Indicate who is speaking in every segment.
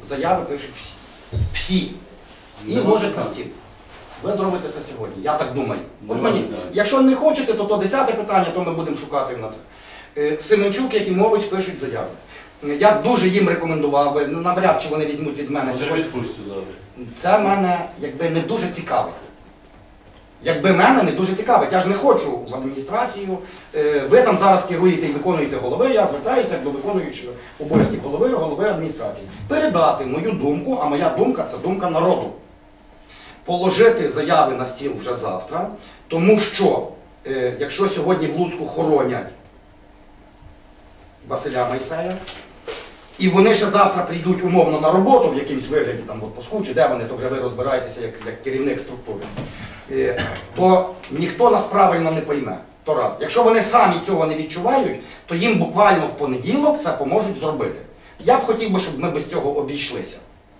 Speaker 1: заяви пишуть всі. Всі. І ложать на стіл. Ви зробите це сьогодні, я так думаю. От мені, якщо не хочете, то 10-те питання, то ми будемо шукати на це. Семенчук, Якимович пишуть заяви. Я дуже їм рекомендував би, навряд чи вони візьмуть від мене сьогодні. Це мене якби не дуже цікавить. Якби мене не дуже цікавить, я ж не хочу в адміністрацію. Ви там зараз керуєте і виконуєте голови, я звертаюся до виконуючого обов'язки голови адміністрації. Передати мою думку, а моя думка – це думка народу. Положити заяви на стіл вже завтра, тому що, якщо сьогодні в Луцьку хоронять Василя Майсея, і вони ще завтра прийдуть умовно на роботу в якимсь вигляді, там в отпуску, чи де вони, то вже ви розбираєтеся як керівник структури, то ніхто нас правильно не пойме. То раз. Якщо вони самі цього не відчувають, то їм буквально в понеділок це поможуть зробити. Я б хотів би, щоб ми без цього обійшлися.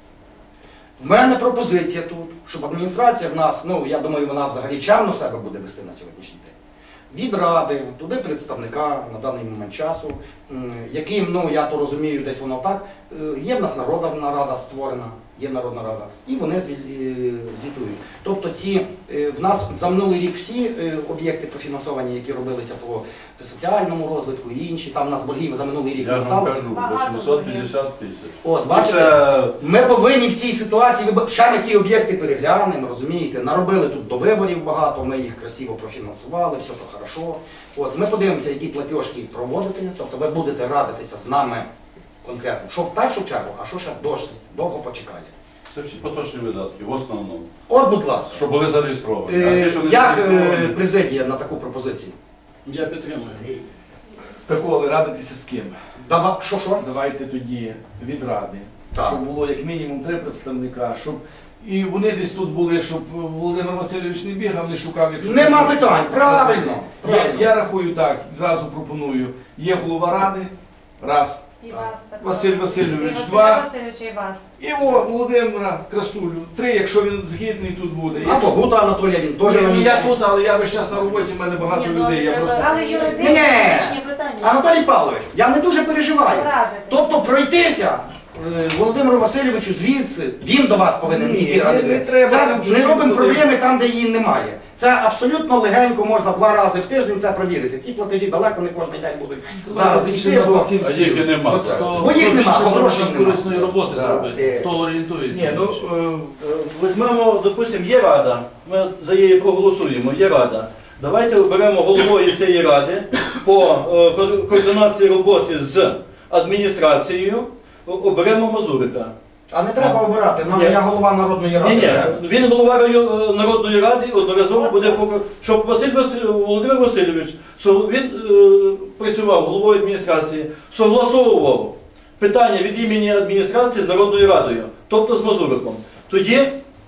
Speaker 1: В мене пропозиція тут, щоб адміністрація в нас, ну я думаю, вона взагалі чемно себе буде вести на сьогоднішній день. Від ради, туди представника на даний момент часу, яким, ну я то розумію, десь воно так, є в нас народна рада створена, є народна рада, і вони звітують. Тобто в нас за минулий рік всі об'єкти профінансовані, які робилися по соціальному розвитку і інші, там у нас боргів за минулий рік не сталося.
Speaker 2: Я вам кажу, 850 тисяч.
Speaker 1: От, бачите, ми повинні в цій ситуації, ще ми ці об'єкти переглянемо, розумієте, наробили тут до виборів багато, ми їх красиво профінансували, все то хорошо. От, ми подивимося, які платіжки проводити, тобто ви будете радитися з нами конкретно, що в першу чергу, а що ще досить довго почекає.
Speaker 2: Це всі поточні видатки, в основному.
Speaker 1: От, будь ласка.
Speaker 2: Щоб були зареєстровані.
Speaker 1: Як президія на таку пропозицію?
Speaker 3: Я підтримую.
Speaker 4: Миколи, радитися з ким?
Speaker 1: Що?
Speaker 4: Давайте тоді від ради,
Speaker 1: Так.
Speaker 4: щоб було як мінімум 3 представника, щоб і вони десь тут були, щоб Володимир Васильович не бігав, не шукав. Якщо
Speaker 1: нема питань, правильно.
Speaker 4: Я рахую так, зразу пропоную. Є голова ради, раз.
Speaker 5: І вас так.
Speaker 4: Василь Васильович,
Speaker 5: І
Speaker 4: 2.
Speaker 5: Василя Васильовича, і вас.
Speaker 4: І Володимира Красулю, 3, якщо він згідний тут буде.
Speaker 1: Або Гута Анатолія, він теж на
Speaker 4: Ні,
Speaker 1: місці.
Speaker 4: я тут, але я весь час на роботі, в мене багато людей. Я просто...
Speaker 5: Але юридичні
Speaker 1: Ні.
Speaker 5: питання.
Speaker 1: Анатолій Павлович, я не дуже переживаю.
Speaker 5: Порадитись.
Speaker 1: Тобто пройтися Володимиру Васильовичу звідси, він до вас повинен
Speaker 4: Ні,
Speaker 1: йти радити.
Speaker 4: не треба
Speaker 1: Це
Speaker 4: там, щоб
Speaker 1: не
Speaker 4: він
Speaker 1: робимо
Speaker 4: туди.
Speaker 1: проблеми там, де її немає. Це абсолютно легенько, можна 2 рази в тиждень це провірити. Ці платежі далеко не кожен день будуть зараз йти, бо
Speaker 2: А їх і нема.
Speaker 1: Бо їх нема, бо грошей нема.
Speaker 3: Корисної роботи зробити. Хто орієнтується?
Speaker 6: Ні, ну, візьмемо, допустимо, є рада, ми за її проголосуємо, є рада. Давайте оберемо головою цієї ради по координації роботи з адміністрацією, оберемо Мазурика.
Speaker 1: А не треба обирати, я голова Народної ради.
Speaker 6: Ні, він голова Народної ради, одноразово буде, щоб Володимир Васильович, він працював головою адміністрації, согласовував питання від імені адміністрації з Народною радою, тобто з Мазуриком. Тоді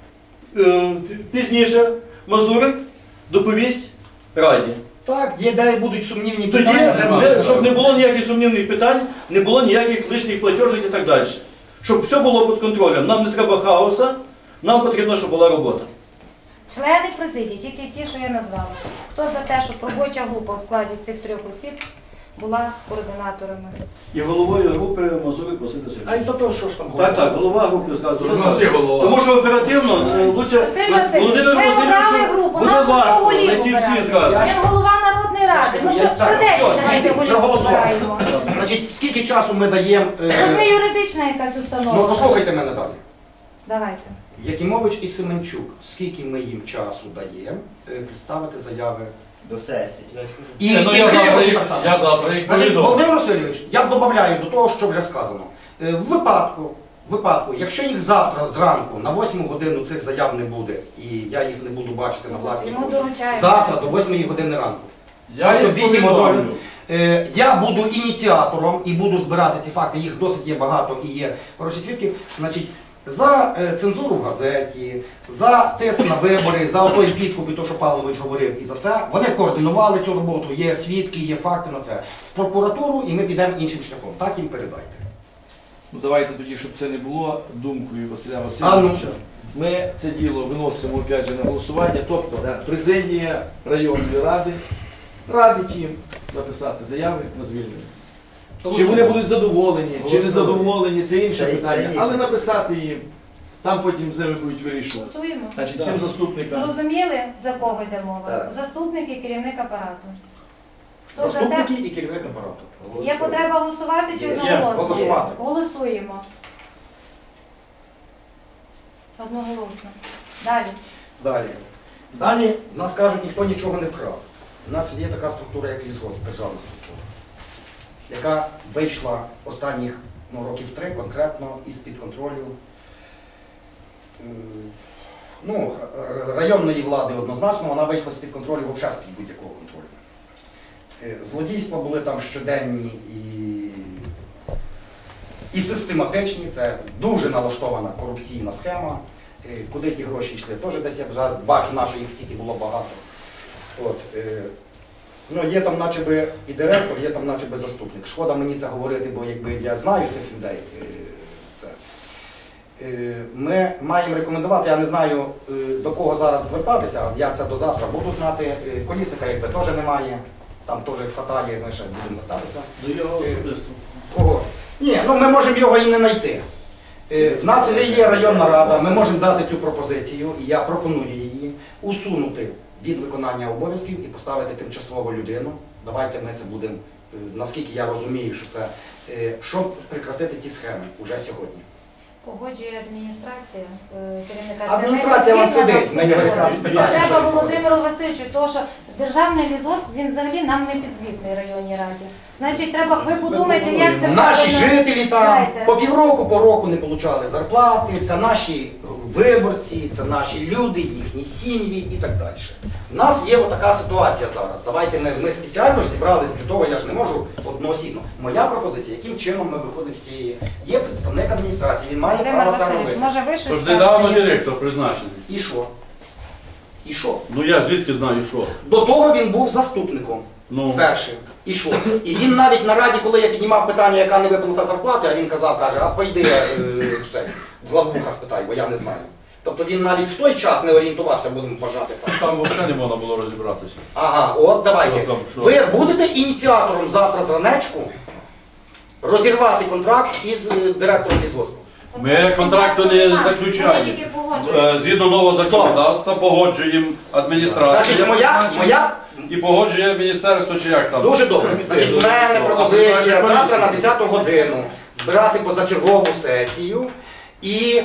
Speaker 6: пізніше Мазурик доповість раді.
Speaker 1: Так, є де будуть сумнівні
Speaker 6: Тоді,
Speaker 1: питання.
Speaker 6: щоб не було ніяких сумнівних питань, не було ніяких лишніх платежок і так далі. Щоб все було під контролем. Нам не треба хаоса, нам потрібно, щоб була робота.
Speaker 5: Члени президії, тільки ті, що я назвала. Хто за те, щоб робоча група в складі цих 3 осіб була координаторами?
Speaker 6: І головою групи Мазурик Василь Васильович.
Speaker 1: А й до того, що ж там
Speaker 6: Так, голова групи зразу.
Speaker 2: У нас є голова.
Speaker 6: Тому що оперативно, лучше
Speaker 5: Василь Васильович,
Speaker 6: Володимир
Speaker 5: ми обрали
Speaker 6: Васильовичу
Speaker 5: групу,
Speaker 6: буде
Speaker 5: нашу
Speaker 6: важко
Speaker 5: голів
Speaker 6: знайти всі
Speaker 5: обирати.
Speaker 6: зразу.
Speaker 5: Він голова Народної ради. Ну, щоб швиденько знайти голів обираємо.
Speaker 1: Значить, скільки часу ми даємо...
Speaker 5: Це ж не юридична якась установа.
Speaker 1: Ну, послухайте мене далі.
Speaker 5: Давайте.
Speaker 1: Якимович і Семенчук, скільки ми їм часу даємо представити заяви
Speaker 7: До сесії.
Speaker 1: і
Speaker 2: Я
Speaker 1: так само.
Speaker 2: завтра їх
Speaker 1: Значить,
Speaker 2: повідомлю.
Speaker 1: Володимир Васильович, я додаю до того, що вже сказано. В випадку, якщо їх завтра зранку на 8 годину цих заяв не буде, і я їх не буду бачити на власні
Speaker 5: Йому
Speaker 1: очі,
Speaker 5: доручаємо.
Speaker 1: завтра до 8 години ранку.
Speaker 2: Я їх
Speaker 1: Тобто 8
Speaker 2: повідомлю.
Speaker 1: годин. Я буду ініціатором і буду збирати ці факти, їх досить є багато і є хороші свідки. Значить, за цензуру в газеті, за тиск на вибори, за той підкуп і то, що Павлович говорив, і за це. Вони координували цю роботу, є свідки, є факти на це. В прокуратуру і ми підемо іншим шляхом. Так їм передайте.
Speaker 4: Ну давайте тоді, щоб це не було думкою Василя Васильовича. Ми це діло виносимо опять же на голосування, тобто президія районної ради радить їм написати заяви на звільнення. Чи вони будуть задоволені, чи не
Speaker 1: Голосуємо.
Speaker 4: задоволені, це інше
Speaker 7: Це
Speaker 4: питання.
Speaker 7: є.
Speaker 4: Але написати їм, там потім з ними будуть вирішувати.
Speaker 5: Голосуємо.
Speaker 4: Значить, всім заступникам.
Speaker 5: Зрозуміли, за кого йде мова?
Speaker 7: Так.
Speaker 5: Заступник і керівник апарату. Хто за те?
Speaker 1: Заступники і керівник апарату.
Speaker 5: Є потреба голосувати чи
Speaker 1: Є.
Speaker 5: одноголосно?
Speaker 1: Голосувати.
Speaker 5: Голосуємо. Одноголосно. Далі.
Speaker 1: Далі в нас кажуть, ніхто нічого не вкрав. У нас є така структура, як лісгосп, державна структура, яка вийшла останніх років 3 конкретно із-під контролю районної влади однозначно, вона вийшла з-під контролю взагалі з-під будь-якого контролю. Злодійства були там щоденні і систематичні, це дуже налаштована корупційна схема. Куди ті гроші йшли, теж десь я вже бачу, що їх стільки було багато. Є там начебто і директор, є там начебто заступник. Шкода мені це говорити, бо якби я знаю цих людей. Ми маємо рекомендувати, я не знаю до кого зараз звертатися, я це до завтра буду знати. Колісника якби теж немає, там теж хватає, ми ще будемо вертатися.
Speaker 6: До його особисто.
Speaker 1: Кого? Ні, ми можемо його і не знайти. В нас є районна рада, ми можемо дати цю пропозицію, і я пропоную її усунути від виконання обов'язків і поставити тимчасову людину. Давайте ми це будемо, наскільки я розумію, що це, щоб прекратити ці схеми уже сьогодні.
Speaker 5: Погоджує адміністрація керівника.
Speaker 1: Адміністрація вон сидить, ми його якраз питаємо.
Speaker 5: Треба Володимиру Васильовичу, тому що державний лісгосп, він взагалі нам не підзвітний районній раді. Значить, треба, ви подумайте, як це
Speaker 1: Наші
Speaker 5: правильно.
Speaker 1: жителі там
Speaker 5: Знаєте.
Speaker 1: по півроку, по року не отримали зарплати, це наші виборці, це наші люди, їхні сім'ї і так далі. У нас є отака ситуація зараз. Давайте ми спеціально ж зібрались для того, я ж не можу одноосібно. Моя пропозиція, яким чином ми виходимо з цієї. Є представник адміністрації, він має
Speaker 5: Володимир
Speaker 1: право це
Speaker 5: Васильович,
Speaker 1: робити.
Speaker 5: може ви щось
Speaker 2: Тож
Speaker 5: скажете?
Speaker 2: недавно директор призначений.
Speaker 1: І що? І що?
Speaker 2: Ну я звідки знаю, що?
Speaker 1: До того він був заступником.
Speaker 2: Ну,
Speaker 1: Першим. І що? І він навіть на раді, коли я піднімав питання, яка не виплата зарплати, а він казав, каже, а пойди в главбуха спитай, бо я не знаю. Тобто він навіть в той час не орієнтувався, будемо вважати так.
Speaker 2: там взагалі не можна було розібратися.
Speaker 1: Ага, от давайте.
Speaker 2: Що там, що?
Speaker 1: Ви будете ініціатором завтра зранечку розірвати контракт із директором лісгоспу?
Speaker 2: Ми контракту не
Speaker 5: Ми
Speaker 2: заключаємо.
Speaker 5: тільки погоджуємо.
Speaker 2: Згідно нового
Speaker 1: Стоп.
Speaker 2: законодавства погоджуємо адміністрацію.
Speaker 1: Значить, моя
Speaker 2: І погоджує міністерство, чи як там?
Speaker 1: дуже добре. Значить, в мене пропозиція завтра на 10 годину збирати позачергову сесію і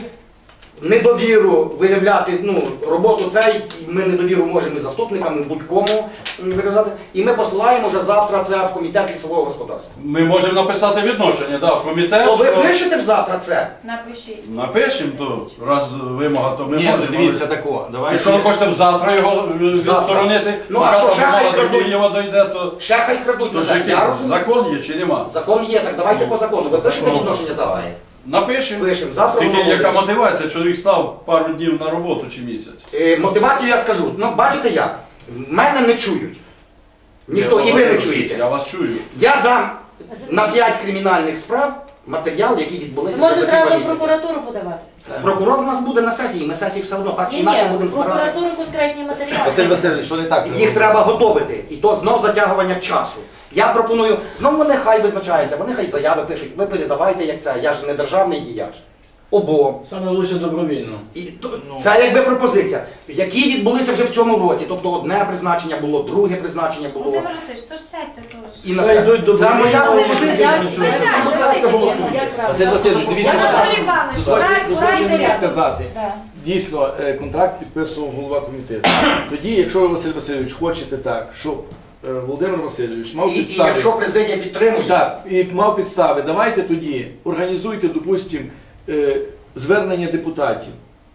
Speaker 1: недовіру виявляти, роботу цей, ми недовіру можемо і заступникам, і будь-кому виражати. І ми посилаємо вже завтра це в комітет лісового господарства.
Speaker 2: Ми можемо написати відношення, да, в комітет.
Speaker 1: То ви
Speaker 2: що-
Speaker 1: пишете завтра це?
Speaker 5: Напишіть.
Speaker 2: Напишемо, то раз вимога, то ми
Speaker 4: Ні,
Speaker 2: можемо.
Speaker 4: дивіться тако.
Speaker 2: Якщо ви хочете завтра його відсторонити,
Speaker 1: Ну, а що, ще хай
Speaker 2: до
Speaker 1: крадуть?
Speaker 2: Києва дойде, то
Speaker 1: Ще хай крадуть
Speaker 2: ж
Speaker 1: назад.
Speaker 2: якийсь
Speaker 1: Я розумію.
Speaker 2: закон є чи нема?
Speaker 1: Закон є, так давайте по закону. Ви пишете
Speaker 2: Ну.
Speaker 1: відношення завтра?
Speaker 2: Напишемо.
Speaker 1: Пишемо. Завтра
Speaker 2: Тільки
Speaker 1: воно
Speaker 2: яка
Speaker 1: буде.
Speaker 2: мотивація? Чоловік став пару днів на роботу чи місяць.
Speaker 1: Мотивацію я скажу. Бачите як? Мене не чують. Ніхто, і ви не чуєте.
Speaker 2: Я вас чую.
Speaker 1: Я дам на 5 кримінальних справ матеріал, які відбулися
Speaker 8: Може
Speaker 1: за ці 2
Speaker 8: зразу в
Speaker 1: місяці.
Speaker 8: прокуратуру подавати?
Speaker 1: Прокурор у нас буде на сесії, ми сесії все одно так чи
Speaker 8: Ні,
Speaker 1: інакше
Speaker 8: ні,
Speaker 1: будемо
Speaker 8: в
Speaker 1: збирати.
Speaker 8: прокуратуру конкретні матеріали.
Speaker 4: Василь Васильович, що не так?
Speaker 1: Їх треба готовити. І то знов затягування часу. Я пропоную, знов вони хай визначаються, вони хай заяви пишуть, ви передавайте як це, я ж не державний діяч. Обом.
Speaker 6: Саме лучше добровільно.
Speaker 1: І це якби пропозиція, які відбулися вже в цьому році. Тобто одне призначення було, друге призначення було.
Speaker 5: Володимир Васильович, тож сядьте теж.
Speaker 1: І на
Speaker 6: Хай
Speaker 1: це.
Speaker 6: йдуть до
Speaker 1: Це моя
Speaker 6: Володимира
Speaker 1: пропозиція.
Speaker 5: Васильовича.
Speaker 1: Будь ласка, голосуйте.
Speaker 8: Як правильно?
Speaker 4: Василь Васильович, дивіться.
Speaker 5: Анатолій Іванович,
Speaker 4: Дозвольте мені
Speaker 5: рядом.
Speaker 4: сказати.
Speaker 5: Да.
Speaker 4: Дійсно, контракт підписував голова комітету. Тоді, якщо ви, Василь Васильович, хочете так, щоб Володимир Васильович мав
Speaker 1: І
Speaker 4: підстави.
Speaker 1: якщо президія підтримує,
Speaker 4: Так, і мав підстави, давайте тоді організуйте, допустимо, звернення депутатів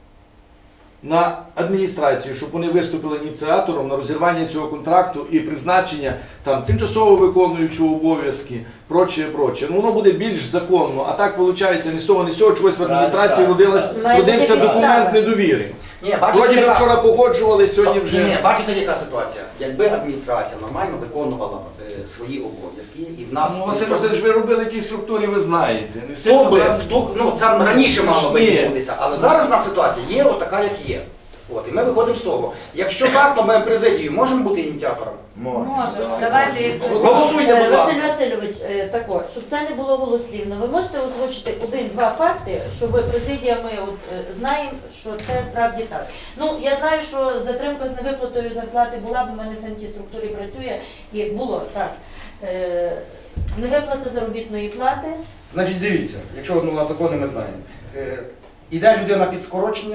Speaker 4: на адміністрацію, щоб вони виступили ініціатором на розірвання цього контракту і призначення там тимчасово виконуючого обов'язки, прочее. Ну воно буде більш законно, а так виходить ні з того, ні з цього, чогось в адміністрації
Speaker 8: Має бути
Speaker 4: родився
Speaker 8: підстава.
Speaker 4: документ недовіри.
Speaker 1: Ні, бачите,
Speaker 4: Вроді ми
Speaker 1: яка-
Speaker 4: вчора погоджували, сьогодні вже...
Speaker 1: Ні, бачите, яка ситуація? Якби адміністрація нормально виконувала свої обов'язки, і в нас...
Speaker 4: Ну, Василь Васильович, ви робили ті структурі, ви знаєте. Не
Speaker 1: Хто
Speaker 4: сильно
Speaker 1: би,
Speaker 4: там-
Speaker 1: це раніше мало би
Speaker 4: Ні.
Speaker 1: відбутися, але зараз в нас ситуація є отака, як є. От, і ми виходимо з того. Якщо так, то ми президію можемо бути ініціаторами?
Speaker 5: Може. Давайте як
Speaker 1: Голосуйте, будь ласка.
Speaker 8: Василь Васильович, тако, щоб це не було голослівно, ви можете озвучити один-два факти, щоб президія ми знаємо, що це справді так. Ну, я знаю, що затримка з невиплатою зарплати була, бо в мене сам в тій структурі працює, і було так. Невиплата заробітної плати.
Speaker 1: Значить, дивіться, якщо на закони ми знаємо. Іде людина під скорочення,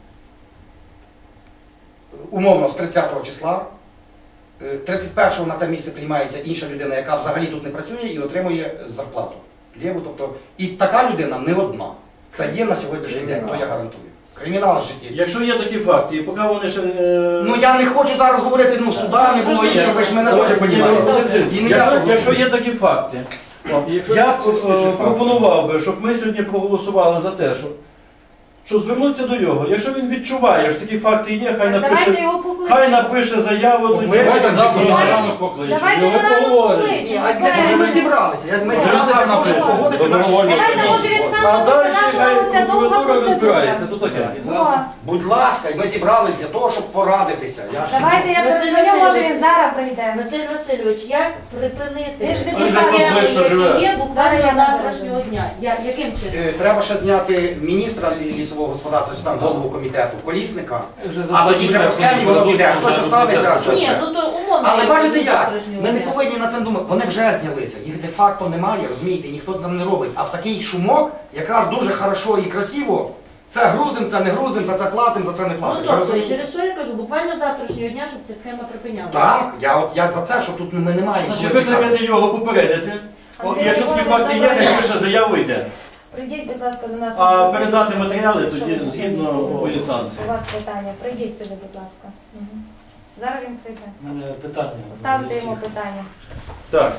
Speaker 1: умовно з 30 числа, 31-го на те місце приймається інша людина, яка взагалі тут не працює і отримує зарплату. Лєву, тобто, і така людина не одна. Це є на сьогоднішній день, то я гарантую. Кримінал в житті.
Speaker 6: Якщо є такі факти, і поки вони ще...
Speaker 1: Ну я не хочу зараз говорити, ну суда не було іншого, ви ж мене теж розумієте.
Speaker 6: Якщо є такі факти, я пропонував би, щоб ми сьогодні проголосували за те, що звернутися до нього. Якщо він відчуває, що такі факти є, хай напише заяву.
Speaker 2: Давайте завтра на ранок покличемо.
Speaker 5: Давайте
Speaker 2: Ми
Speaker 5: на ранок
Speaker 2: поговоримо.
Speaker 5: покличемо.
Speaker 1: А для чого ми зібралися? Ми зібралися для того, щоб погодити наші
Speaker 2: Добровольно.
Speaker 1: справи.
Speaker 5: Давайте, може, від
Speaker 6: А
Speaker 5: самого
Speaker 6: далі
Speaker 5: початку
Speaker 6: хай
Speaker 5: ця довга
Speaker 6: прокуратура розбирається.
Speaker 5: процедура.
Speaker 6: То таке.
Speaker 5: О,
Speaker 1: Будь ласка, ми зібрались для того, щоб порадитися.
Speaker 5: Давайте я
Speaker 8: Василь
Speaker 5: перезвоню, може
Speaker 8: Васильович.
Speaker 5: він зараз прийде.
Speaker 8: Василь Васильович, як припинити
Speaker 5: Ви ж
Speaker 8: ті
Speaker 5: депутат,
Speaker 8: схеми,
Speaker 2: близько живе.
Speaker 8: які є буквально
Speaker 5: Зараз я
Speaker 8: завтрашнього дня? Яким чином?
Speaker 1: Треба ще зняти міністра лісового господарства, чи там голову комітету, Колісника.
Speaker 3: Вже
Speaker 1: А тоді вже по схемі воно піде, щось останеться, щось.
Speaker 8: Ні, ну то умовно.
Speaker 1: Але
Speaker 8: якщо
Speaker 1: бачите
Speaker 8: до
Speaker 1: як?
Speaker 8: завтрашнього
Speaker 1: Ми не
Speaker 8: дня.
Speaker 1: повинні на це думати. Вони вже знялися. Їх де-факто немає, розумієте, ніхто там не робить. А в такий шумок якраз дуже хорошо і красиво. Це грузим, це не грузим, за це платим, за це не
Speaker 8: Ну
Speaker 1: платим. Ви
Speaker 8: добре,
Speaker 1: розумієте?
Speaker 8: через що я кажу, буквально завтрашнього дня, щоб ця схема припинялася.
Speaker 1: Так, я за це, що тут ми не маємо.
Speaker 6: Значить,
Speaker 1: чого чекати.
Speaker 6: викликати його, попередити. Якщо такі факти є, хай пише заяву йде.
Speaker 5: Прийдіть, будь ласка, до нас.
Speaker 6: А
Speaker 5: на
Speaker 6: передати
Speaker 5: президію,
Speaker 6: матеріали
Speaker 5: якщо
Speaker 6: тоді
Speaker 5: ви
Speaker 6: згідно
Speaker 5: хочете.
Speaker 6: по інстанції.
Speaker 5: У вас питання. Прийдіть сюди, будь ласка. Мгм. Зараз він прийде.
Speaker 7: У мене питання.
Speaker 5: Поставте йому питання.
Speaker 2: Так.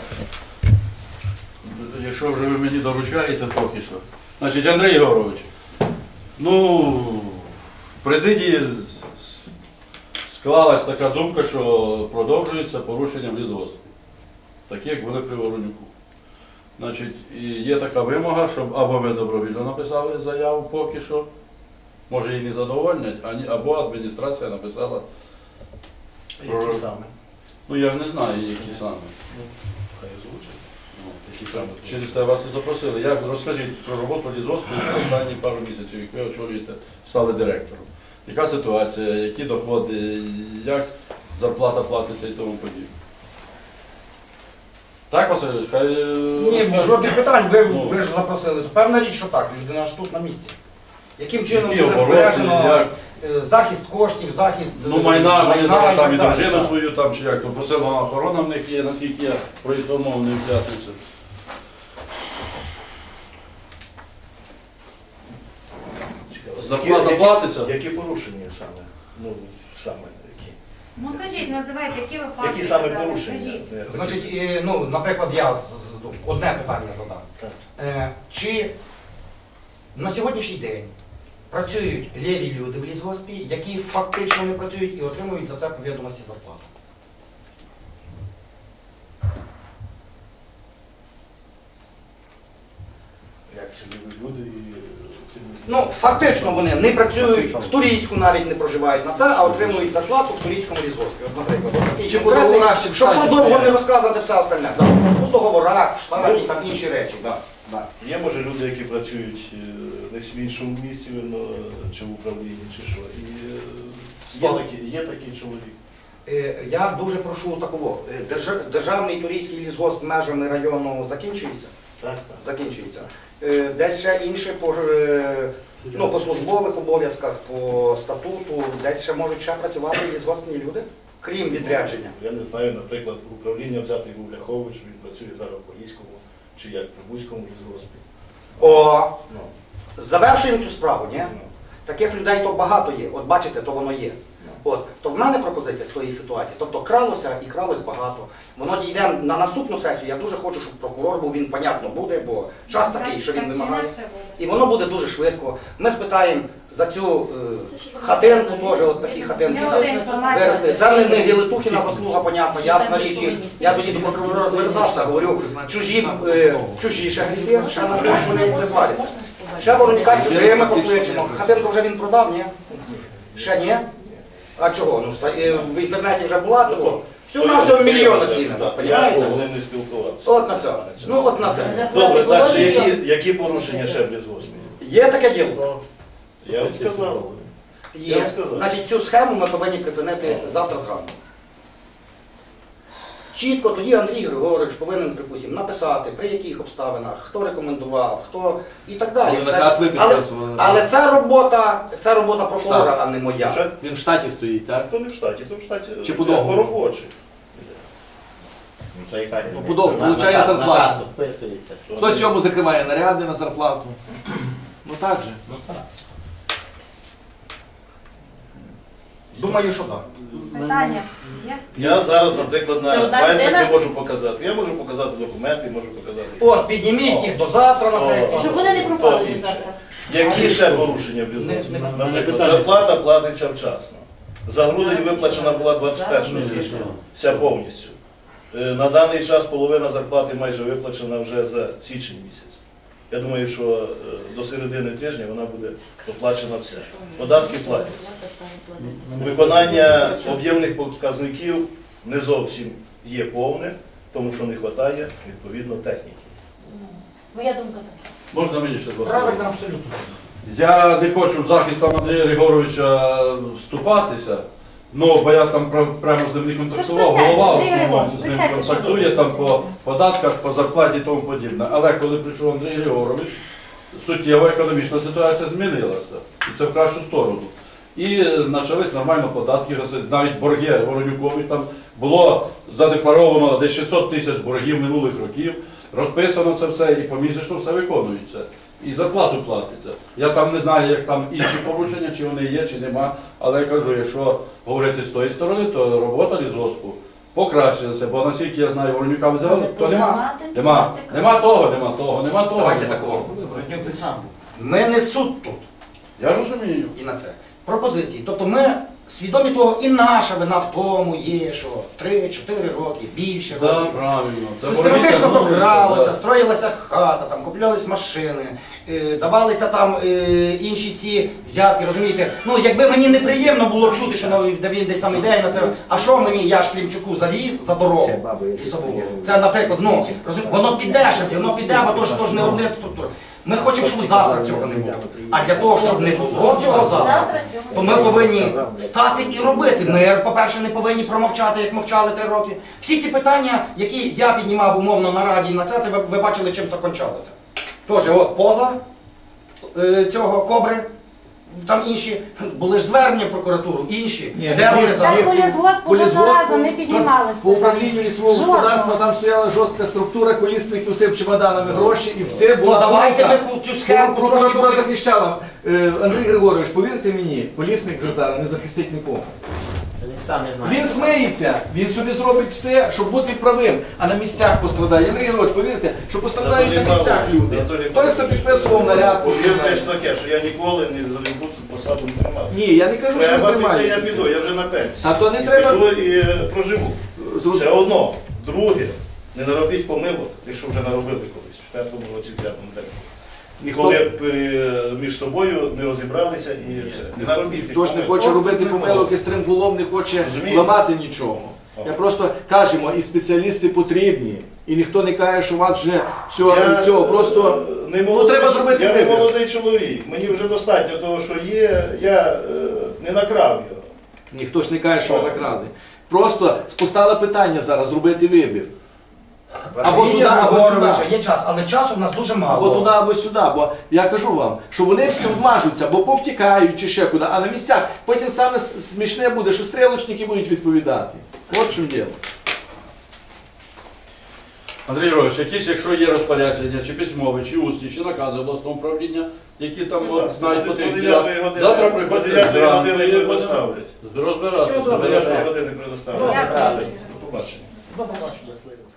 Speaker 2: Якщо вже ви мені доручаєте поки що. Значить, Андрій Ігорович, ну, в президії склалась така думка, що продовжується порушення в лісгоспі, так як були при Воронюку. Значить, і є така вимога, щоб або ви добровільно написали заяву поки що, може її не задовольнять, або адміністрація написала.
Speaker 7: Які саме?
Speaker 2: Ну я ж не знаю, які саме.
Speaker 7: Хай озвучить.
Speaker 2: Ну, які саме. Через те вас і запросили. Як розкажіть про роботу лісгоспу останні пару місяців, як ви очолюєте, стали директором. Яка ситуація, які доходи, як зарплата платиться і тому подібне. Так, Васильович, хай...
Speaker 1: Ні, жодних питань, ви ж запросили. Певна річ, що так, людина ж тут на місці. Яким чином
Speaker 2: Які
Speaker 1: буде
Speaker 2: обороти,
Speaker 1: збережено
Speaker 2: як?
Speaker 1: захист коштів, захист
Speaker 2: Ну, майна, вони
Speaker 1: і
Speaker 2: там
Speaker 1: так
Speaker 2: і
Speaker 1: далі,
Speaker 2: дружину
Speaker 1: так.
Speaker 2: свою, там, чи як, то посилена охорона в них є, наскільки я проінформований в п'ятницю. Зарплата платиться?
Speaker 7: Які порушення саме? Ну, саме які?
Speaker 5: Ну кажіть, називайте, які ви факти.
Speaker 7: Які саме
Speaker 5: казали,
Speaker 7: порушення?
Speaker 5: кажіть.
Speaker 1: Значить, ну, наприклад, я одне питання задам.
Speaker 7: Так.
Speaker 1: Чи на сьогоднішній день працюють ліві люди в лісгоспі, які фактично не працюють і отримують за це по відомості зарплату?
Speaker 7: Як це люди і...
Speaker 1: Ну, фактично вони не працюють, в Турійську навіть не проживають на це, а отримують зарплату в Турійському лісгоспі. От, наприклад, от такий
Speaker 4: Чи по
Speaker 1: конкретний,
Speaker 4: договорах, чи в
Speaker 1: щоб
Speaker 4: штаті
Speaker 1: довго не
Speaker 4: стоять.
Speaker 1: розказувати все остальне. Да. У договорах, в штаті, там інші речі. Да. Да.
Speaker 7: Є, може, люди, які працюють десь в іншому місці, чи в управлінні, чи що. І є такий чоловік.
Speaker 1: Я дуже прошу такого. Державний Турійський лісгосп межами району закінчується?
Speaker 7: Так, так.
Speaker 1: Закінчується. Десь ще інше по службових обов'язках, по статуту, десь ще можуть ще працювати лісгоспні люди, крім відрядження.
Speaker 7: Я не знаю, наприклад, управління взятий Гуляхович, він працює зараз в Поліському, чи як в Прибузькому лісгоспі.
Speaker 1: О,
Speaker 7: Ну,
Speaker 1: завершуємо цю справу, ні?
Speaker 7: ну.
Speaker 1: Таких людей то багато є. От бачите, то воно є. От, то в мене пропозиція з тої ситуації. Тобто кралося і кралось багато. Воно дійде на наступну сесію. Я дуже хочу, щоб прокурор був, він, понятно, буде, бо час такий, що він
Speaker 5: Так чи
Speaker 1: вимагає.
Speaker 5: інакше буде.
Speaker 1: І воно буде дуже швидко. Ми спитаємо за цю хатинку, теж, от такі хатинки.
Speaker 5: Я вже інформацію.
Speaker 1: Виросли. Це не Гелетухіна заслуга, понятно, ясна річ. І я тоді до прокурора звертався, говорю, чужі ще гріхи, ще на гріх вони не зваляться. Ще Воронюка сюди ми покличемо. Хатинку вже він продав, ні? Ще ні? А чого? Ну, в інтернеті вже була це. Всього на всього мільйон оцінено,
Speaker 7: Я
Speaker 1: розумієте?
Speaker 7: з ним не спілкувався.
Speaker 1: От на це. Ну от на це.
Speaker 7: Добре, далі, які порушення ще без 8?
Speaker 1: Є таке діло?
Speaker 7: Я вам сказав. Я
Speaker 1: Є.
Speaker 7: вам сказав.
Speaker 1: Значить, цю схему ми повинні припинити завтра зранку. Чітко тоді Андрій Григорович повинен, припустимо, написати, при яких обставинах, хто рекомендував, хто і так далі.
Speaker 4: Ну,
Speaker 1: Це
Speaker 4: наказ
Speaker 1: ж-
Speaker 4: ви підписували.
Speaker 1: але це робота прокурора, а не моя.
Speaker 7: Що?
Speaker 4: Він в штаті стоїть, так?
Speaker 7: То не в штаті, то в штаті
Speaker 4: Чи по договору?
Speaker 7: робочий.
Speaker 4: Ну, подобно, получає зарплату.
Speaker 9: Вписується.
Speaker 4: Хтось йому закриває наряди на зарплату. Ну так же.
Speaker 9: Ну так.
Speaker 1: Думаю, що так.
Speaker 5: Питання є?
Speaker 7: Я зараз, наприклад,
Speaker 8: Це
Speaker 7: на
Speaker 8: одна
Speaker 7: пальцях
Speaker 8: людина?
Speaker 7: не можу показати. Я можу показати документи, можу показати.
Speaker 1: От, підніміть їх до завтра, наприклад.
Speaker 8: Щоб вони не пропали
Speaker 7: То
Speaker 8: до
Speaker 7: інше.
Speaker 8: завтра.
Speaker 7: Які ще порушення в
Speaker 1: Не-
Speaker 7: бізнесі?
Speaker 1: не-
Speaker 7: Наприклад, зарплата платиться вчасно. За грудень виплачена була 21 січня, вся повністю. На даний час половина зарплати майже виплачена вже за січень місяць. Я думаю, що до середини тижня вона буде оплачена вся. Податки платяться. Виконання об'ємних показників не зовсім є повне, тому що не вистачає, відповідно, техніки.
Speaker 8: Моя думка така.
Speaker 2: Можна мені ще два слова?
Speaker 1: Правильно, абсолютно.
Speaker 2: Я не хочу в захист там Андрія Григоровича вступатися, ну, бо я там прямо з ним не контактував,
Speaker 5: Тож присядьте,
Speaker 2: голова в
Speaker 5: Андрій
Speaker 2: основному
Speaker 5: Григорович,
Speaker 2: з ним
Speaker 5: присядьте,
Speaker 2: контактує
Speaker 5: що
Speaker 2: там по податках, по зарплаті і тому подібне. Але коли прийшов Андрій Григорович, суттєво економічна ситуація змінилася, і це в кращу сторону. І почались нормально податки, навіть борги Воронюкові, там було задекларовано десь 600 тисяч боргів минулих років, розписано це все і помісячно все виконується. І зарплату платиться. Я там не знаю, як там інші порушення, чи вони є, чи нема. Але я кажу, якщо говорити з тої сторони, то робота лісгоспу покращилася. Бо наскільки я знаю, Воронюка взяли, то нема. Нема того.
Speaker 1: Давайте такого. Ми не суд тут.
Speaker 2: Я розумію.
Speaker 1: І на це. Пропозиції. Тобто ми свідомі того, і наша вина в тому є, що 3-4 роки, більше
Speaker 2: Так,
Speaker 1: років.
Speaker 2: правильно. Це
Speaker 1: Систематично
Speaker 2: Воронюка,
Speaker 1: докралося,
Speaker 2: да.
Speaker 1: строїлася хата, там, куплялись машини, давалися там інші ці взятки, розумієте? Ну, якби мені неприємно було чути, що він десь там ідея на це, а що мені, я ж Клімчуку завіз за дорогу лісову? Це, наприклад, ну, воно піде, воно піде, бо то ж не одне структура. Ми хочемо, щоб завтра цього не було. А для того, щоб не було цього завтра, то ми повинні стати і робити. Ми, по-перше, не повинні промовчати, як мовчали 3 роки. Всі ці питання, які я піднімав умовно на раді, на це ви бачили, чим це кончалося. Тож, от поза цього Кобри, там інші, були ж звернення в прокуратуру, інші.
Speaker 4: Ні,
Speaker 1: Де вони
Speaker 5: Так
Speaker 1: зараз?
Speaker 5: по лісгоспу жодного разу не піднімалися.
Speaker 4: По управлінню лісового
Speaker 5: Жодного.
Speaker 4: господарства там стояла жорстка структура, колісник носив чемоданами гроші і все
Speaker 1: То
Speaker 4: було.
Speaker 1: давайте ми цю схему
Speaker 4: Прокуратура
Speaker 1: трошки...
Speaker 4: захищала. Андрій Григорович, повірте мені, колісник вже зараз не захистить нікого.
Speaker 9: Він сам не знає.
Speaker 4: Він сміється, він собі зробить все, щоб бути правим, а на місцях пострадає. Андрій Григорович, повірте, що пострадають на місцях люди. Той, хто підписував наряд,
Speaker 7: Повірте
Speaker 4: пострадає.
Speaker 7: ж таке, що я ніколи не залюбу цю посаду не тримав.
Speaker 4: Ні, я не кажу, що
Speaker 7: Я
Speaker 4: не
Speaker 7: я
Speaker 4: тримаєтеся.
Speaker 7: піду, я вже на пенсії.
Speaker 4: А то не
Speaker 7: І
Speaker 4: треба-
Speaker 7: піду і проживу.
Speaker 4: Зрозуміло.
Speaker 7: Це одно. Друге, не наробіть помилок, якщо вже наробили колись, в 5-му році, в 5-му році.
Speaker 4: Ніхто
Speaker 7: Коли між собою не розібралися і все. Не наробіть тих
Speaker 4: хто ж не
Speaker 7: помилок.
Speaker 4: хоче робити помилок і стрингулом не хоче
Speaker 7: Розумієте?
Speaker 4: ламати нічого. Я просто кажемо, і спеціалісти потрібні, і ніхто не каже, що у вас вже
Speaker 7: Я,
Speaker 4: цього просто
Speaker 7: не
Speaker 4: ну,
Speaker 7: молодий,
Speaker 4: треба зробити
Speaker 7: я не
Speaker 4: вибір.
Speaker 7: молодий чоловік, мені вже достатньо того, що є, я не накрав його.
Speaker 4: Ніхто ж не каже, що ви накрали. Просто постало питання зараз зробити вибір. Або туди, або
Speaker 1: Григоровича
Speaker 4: сюди.
Speaker 1: є час, але часу в нас дуже мало.
Speaker 4: Або туди, або сюди. Бо я кажу вам, що вони всі обмажуться, бо повтікають чи ще куди, а на місцях потім саме смішне буде, що стрілочники будуть відповідати. От в чому діло.
Speaker 2: Андрій Григорович, якісь, якщо є розпорядження, чи письмові, чи усні, чи накази обласного управління, які там от, знають потрібні. Завтра приходьте зранку і
Speaker 7: предоставлять.
Speaker 2: розбиратися.
Speaker 1: Все добре.
Speaker 7: 9 години предоставлять.
Speaker 5: Дякую.
Speaker 7: До побачення.
Speaker 1: До побачення.